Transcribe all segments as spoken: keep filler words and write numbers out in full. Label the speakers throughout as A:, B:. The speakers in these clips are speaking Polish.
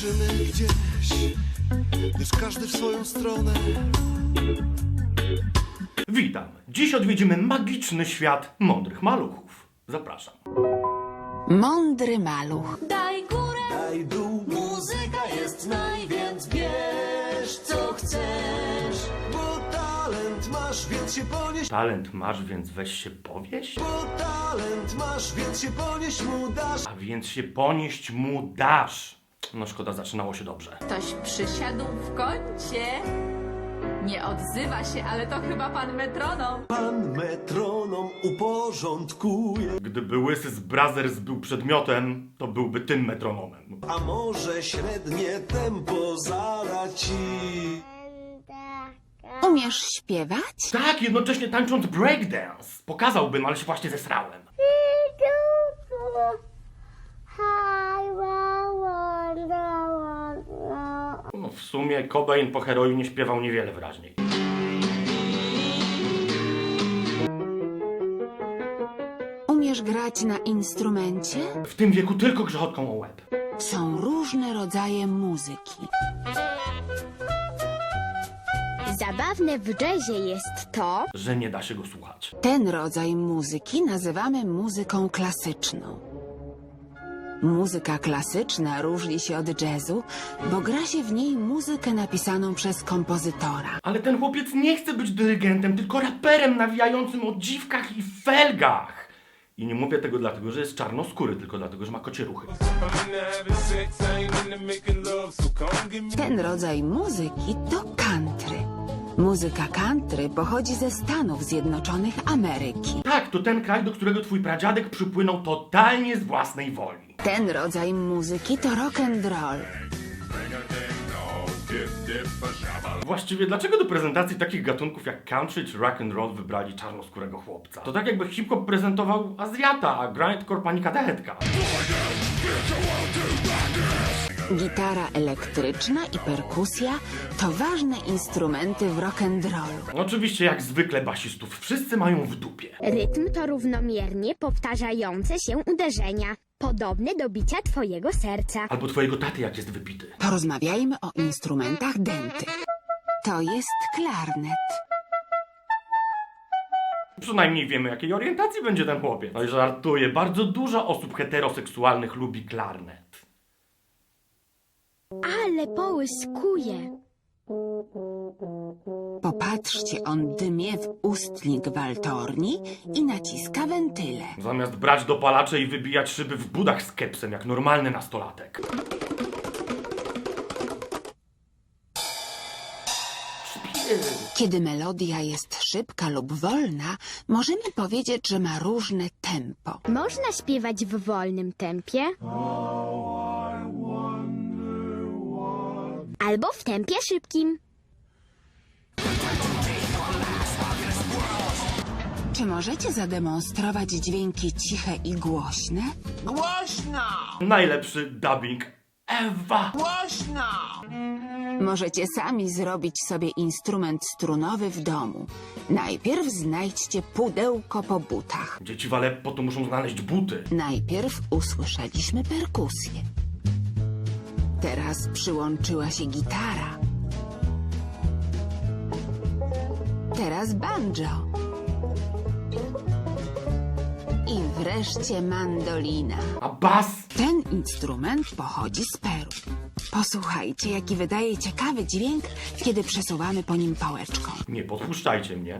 A: ruszymy gdzieś, lecz każdy w swoją stronę.
B: Witam. Dziś odwiedzimy magiczny świat mądrych maluchów. Zapraszam.
C: Mądry maluch.
D: Daj górę,
A: Daj dół,
D: muzyka jest naj, więc bierz co chcesz.
A: bo talent masz, więc się ponieś.
B: Talent masz, więc weź się powieść?
A: Bo talent masz, więc się ponieść mu dasz.
B: A więc się ponieść mu dasz. No szkoda, zaczynało się dobrze.
E: Ktoś przysiadł w kącie. Nie odzywa się, ale to chyba pan metronom.
A: Pan metronom uporządkuje.
B: Gdyby Łysy z Brothers był przedmiotem, to byłby tym metronomem.
A: A może średnie tempo zada ci.
C: Umiesz śpiewać?
B: Tak, jednocześnie tańcząc breakdance. Pokazałbym, ale się właśnie zesrałem. No, w sumie Cobain po heroinie śpiewał niewiele wyraźniej.
C: Umiesz grać na instrumencie?
B: W tym wieku tylko grzechotką o łeb.
C: Są różne rodzaje muzyki.
F: Zabawne w jazzie jest to,
B: Że nie da się go słuchać.
C: Ten rodzaj muzyki nazywamy muzyką klasyczną. Muzyka klasyczna różni się od jazzu, bo gra się w niej muzykę napisaną przez kompozytora.
B: Ale ten chłopiec nie chce być dyrygentem, tylko raperem nawijającym o dziwkach i felgach. I nie mówię tego dlatego, że jest czarnoskóry, tylko dlatego, że ma kocie ruchy.
C: Ten rodzaj muzyki to country. Muzyka country pochodzi ze Stanów Zjednoczonych Ameryki.
B: Tak, to ten kraj, do którego twój pradziadek przypłynął totalnie z własnej woli.
C: Ten rodzaj muzyki to rock and roll.
B: Właściwie dlaczego do prezentacji takich gatunków jak country czy rock and roll wybrali czarnoskórego chłopca? To tak jakby hip-hop prezentował Azjata, a grindcore pani kadetka.
C: Gitara elektryczna i perkusja to ważne instrumenty w rock and rollu.
B: Oczywiście jak zwykle basistów wszyscy mają w dupie.
F: rytm to równomiernie powtarzające się uderzenia, podobne do bicia twojego serca.
B: Albo twojego taty jak jest wypity.
C: Porozmawiajmy o instrumentach dętych. To jest klarnet.
B: Przynajmniej wiemy jakiej orientacji będzie ten chłopiec. No i żartuję, bardzo dużo osób heteroseksualnych lubi klarnet.
F: Ale połyskuje.
C: Popatrzcie, on dymie w ustnik waltorni i naciska wentyle.
B: Zamiast brać dopalacze i wybijać szyby w budach z kepsem jak normalny nastolatek.
C: Kiedy melodia jest szybka lub wolna, możemy powiedzieć, że ma różne tempo.
F: Można śpiewać w wolnym tempie. Albo w tempie szybkim.
C: Czy możecie zademonstrować dźwięki ciche i głośne?
A: Głośno!
B: Najlepszy dubbing ever.
A: Głośno!
C: Możecie sami zrobić sobie instrument strunowy w domu. Najpierw znajdźcie pudełko po butach.
B: Dzieci w Aleppo to muszą znaleźć buty.
C: Najpierw usłyszeliśmy perkusję. Teraz przyłączyła się gitara. Teraz banjo. I wreszcie mandolina.
B: A bas?
C: Ten instrument pochodzi z Peru. Posłuchajcie, jaki wydaje ciekawy dźwięk, kiedy przesuwamy po nim pałeczką.
B: Nie podpuszczajcie mnie.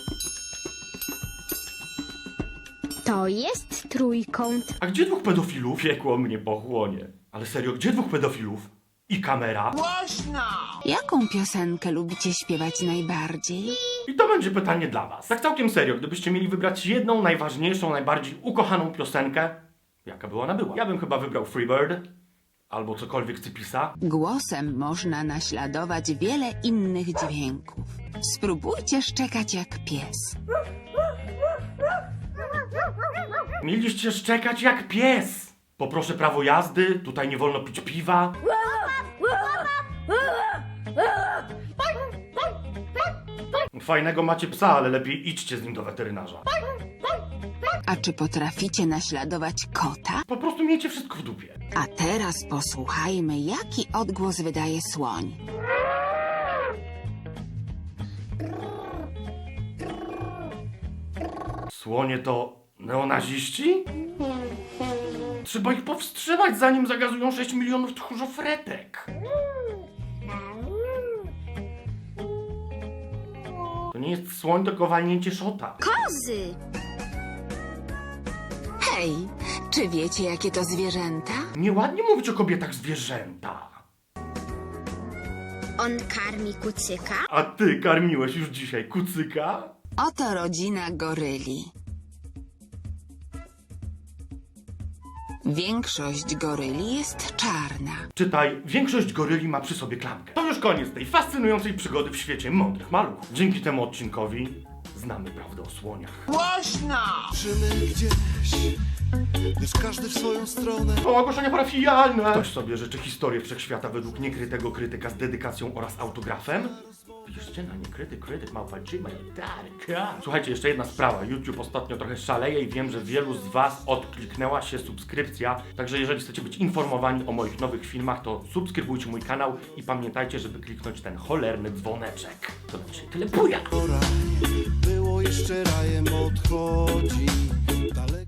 F: To jest trójkąt.
B: A gdzie dwóch pedofilów? Piekło mnie pochłonie. Ale serio, gdzie dwóch pedofilów? I kamera?
A: Głośno!
C: Jaką piosenkę lubicie śpiewać najbardziej?
B: I to będzie pytanie dla was. Tak całkiem serio, gdybyście mieli wybrać jedną najważniejszą, najbardziej ukochaną piosenkę, jaka by ona była? Ja bym chyba wybrał Freebird. Albo cokolwiek Cypisa.
C: Głosem można naśladować wiele innych dźwięków. Spróbujcie szczekać jak pies.
B: Mieliście szczekać jak pies. Poproszę prawo jazdy, tutaj nie wolno pić piwa. Fajnego macie psa, ale lepiej idźcie z nim do weterynarza.
C: A czy potraficie naśladować kota?
B: Po prostu miejcie wszystko w dupie.
C: A teraz posłuchajmy, jaki odgłos wydaje słoń.
B: Słonie to neonaziści? Trzeba ich powstrzymać, zanim zagazują sześć milionów tchórzofretek. To nie jest słoń, tylko walnięcie szota.
F: Kozy!
C: Hej, czy wiecie, jakie to zwierzęta?
B: Nieładnie mówić o kobietach zwierzęta.
F: On karmi kucyka?
B: A ty karmiłeś już dzisiaj kucyka?
C: Oto rodzina goryli. Większość goryli jest czarna.
B: Czytaj, większość goryli ma przy sobie klamkę. To już koniec tej fascynującej przygody w świecie mądrych maluchów. Dzięki temu odcinkowi znamy prawdę o słoniach.
A: Żymy gdzieś, gdyż każdy w swoją stronę.
B: O, ogłoszenia parafialne! Ktoś sobie życzy historię wszechświata według niekrytego krytyka z dedykacją oraz autografem? Piszcie na niekryty krytyk małpa gmail kropka com. Słuchajcie, jeszcze jedna sprawa. YouTube ostatnio trochę szaleje i wiem, że wielu z was odkliknęła się subskrypcja. Także jeżeli chcecie być informowani o moich nowych filmach, to subskrybujcie mój kanał i pamiętajcie, żeby kliknąć ten cholerny dzwoneczek. To na dzisiaj tyle, buja!
A: Raj było jeszcze rajem, odchodzi.